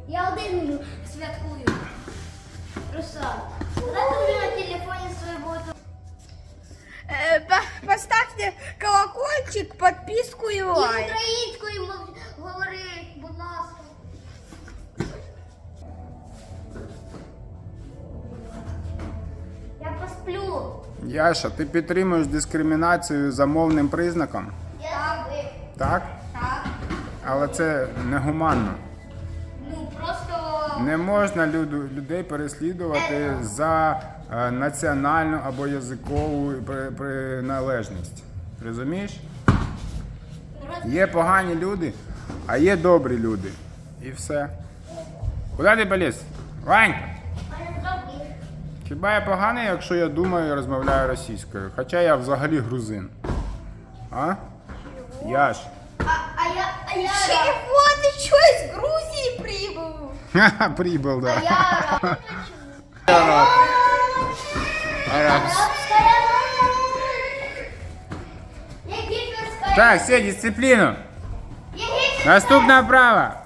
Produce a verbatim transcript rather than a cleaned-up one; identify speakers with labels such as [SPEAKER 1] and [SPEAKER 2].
[SPEAKER 1] Я один святкую. Руслан, давай тобі на телефоні своєму.
[SPEAKER 2] Е, по- Поставте колокольчик, подписку і
[SPEAKER 1] І
[SPEAKER 2] лайк.
[SPEAKER 1] українською мов- говори, будь ласка. Я посплю.
[SPEAKER 3] Яша, ти підтримуєш дискримінацію за мовним признаком?
[SPEAKER 1] Так.
[SPEAKER 3] Так?
[SPEAKER 1] Так.
[SPEAKER 3] Але це негуманно.
[SPEAKER 1] Ну просто.
[SPEAKER 3] Не можна люду- людей переслідувати за е, національну або язикову при- приналежність. Розумієш? Є погані люди, а є добрі люди. І все. Куди ти поліз? Вань! Хіба я поганий, якщо я думаю і розмовляю російською? Хоча я взагалі грузин. А? Яш.
[SPEAKER 1] А, а я. А я.
[SPEAKER 2] Чего ты что, из Грузии прибыл?
[SPEAKER 3] Ха-ха, прибыл, да.
[SPEAKER 1] Я.
[SPEAKER 3] Араб. Араб.
[SPEAKER 1] Я гитлерская.
[SPEAKER 3] Так, все, дисципліну.
[SPEAKER 1] Я гитлерская.
[SPEAKER 3] Наступна вправа.